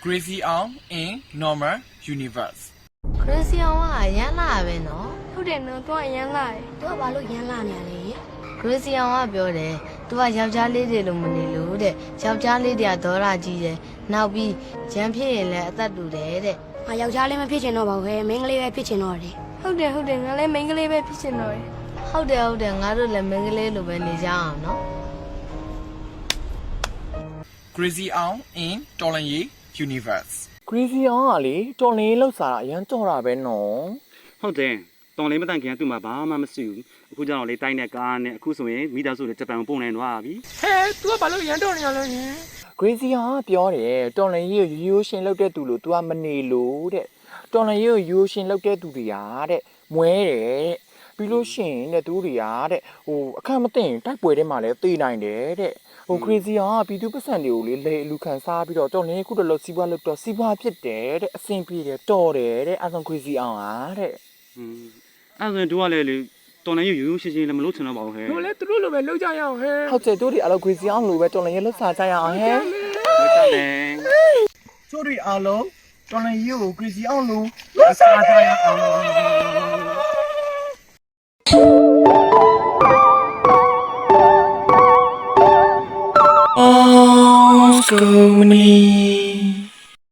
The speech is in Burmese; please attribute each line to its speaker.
Speaker 1: Crazy on in normal universe
Speaker 2: Crazy အောင်ကရမ်းလာပဲနော်
Speaker 3: ဟုတ်တယ်နော်သူကရမ်းလာတယ်
Speaker 4: သူကဘာလို့ရမ်းလာနေရလဲ
Speaker 2: Crazy အောင်ကပြောတယ်သူကယောက်ျားလေးတွေလိုမနေလို့တဲ့ယောက်ျားလေးတွေကဒေါ်လာကြီးတယ်နောက်ပြီးဂျမ်းဖြစ်ရင်လည်းအသက်တူတယ်တဲ့
Speaker 4: ငါယောက်ျားလေးမဖြစ်ချင်တော့ပါဘူးခဲမင်းကလေးပဲဖြစ်ချင်တော့တယ်
Speaker 3: ဟုတ်တယ်ငါလည်းမိန်းကလေးပဲဖြစ်ချင်တော့တယ်
Speaker 2: ဟုတ်တယ်ငါတို့လည်းမင်းကလေးလိုပဲနေကြအောင်နော်
Speaker 1: Crazy on in Tolanyi universe
Speaker 5: Crazy အောင်ကလေတော်လင်းလောက်စားတာအရန်ကြော်တာပဲနော်
Speaker 6: ဟုတ်တယ်တော်လေးမတန့်ခင်ကသူ့မှာဘာမှမရှိဘူးအခုကျတော့လေတိုင်းတဲ့ကားနဲ့အခုဆိုရင်မိသားစုတွေဂျပန်ကိုပုံနေသွားပြီ
Speaker 5: Crazy အောင်ကပြောတယ်တော်လင်းကြီးကိုရိုးရှင်လောက်တဲ့သူလို့ तू ကမနေလို့တဲ့တော်လင်းကြီးကိုရိုးရှင်လောက်တဲ့သူတွေကတဲ့မွဲတယ်ပြီးလို့ရှိရင်တဲ့သူတွေကတဲ့ဟိုအခက်မသိရင်တိုက်ပွဲထဲမှာလည်းသေနိုင်တယ်တဲ့ဟို Crazy အောင်ကပြည်သူပတ်စံတွေကိုလေလေလူခံစားပြီးတော့တော်လင်းခုတလို့စီးပွားလို့တော့စီးပွားဖြစ်တယ်တဲ့အဆင်ပြေတယ်တော်တယ်တဲ့အဲဆို Crazy အောင်ဟာတဲ့
Speaker 6: အဲ့ဆိုရင်တို့ကလည်းလေတော်လေးရိုးရှင်းရှင်းလည်းမလုပ်ချင်တော့ပါဘူးဟဲ့
Speaker 5: ဟုတ်တယ်တို့တွေအလောက် Crazy အောင်လို့ပဲတော်လင်းရဲ့လောက်စားကြရအောင်ဟဲ့
Speaker 6: ဟုတ်တယ်
Speaker 5: ကျိုးတွေအားလုံးတော်လန်ကြီးကို Crazy အောင်လို့လက်စားထားရအောင် Oh, Scooby.